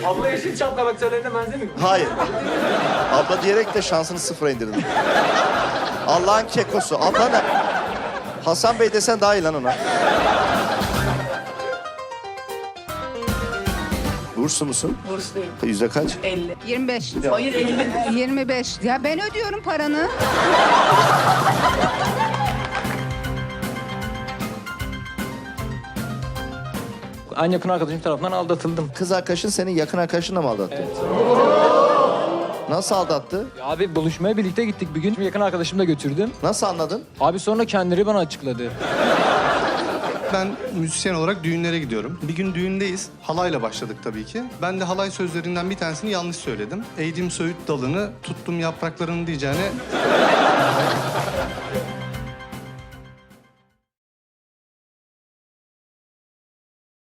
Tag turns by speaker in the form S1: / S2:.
S1: Abla Yeşilçam karakterlerine benzemiyor mu?
S2: Hayır. Abla diyerek de şansını sıfıra indirdim. Allah'ın kekosu. Abla ne? Hasan Bey desen daha iyi lan ona. Burslu musun?
S3: Bursluyum.
S2: Yüzde kaç?
S3: 50.
S4: 25.
S3: Hayır 50.
S4: 25. Ya ben ödüyorum paranı.
S1: En yakın arkadaşım tarafından aldatıldım.
S2: Kız arkadaşın senin yakın arkadaşınla mı aldattı?
S1: Evet.
S2: Nasıl aldattı?
S1: Ya abi buluşmaya birlikte gittik bir gün. Yakın arkadaşımı da götürdüm.
S2: Nasıl anladın?
S1: Abi sonra kendileri bana açıkladı.
S5: Ben müzisyen olarak düğünlere gidiyorum. Bir gün düğündeyiz. Halayla başladık tabii ki. Ben de halay sözlerinden bir tanesini yanlış söyledim. Eğdim söğüt dalını, tuttum yapraklarını diyeceğine...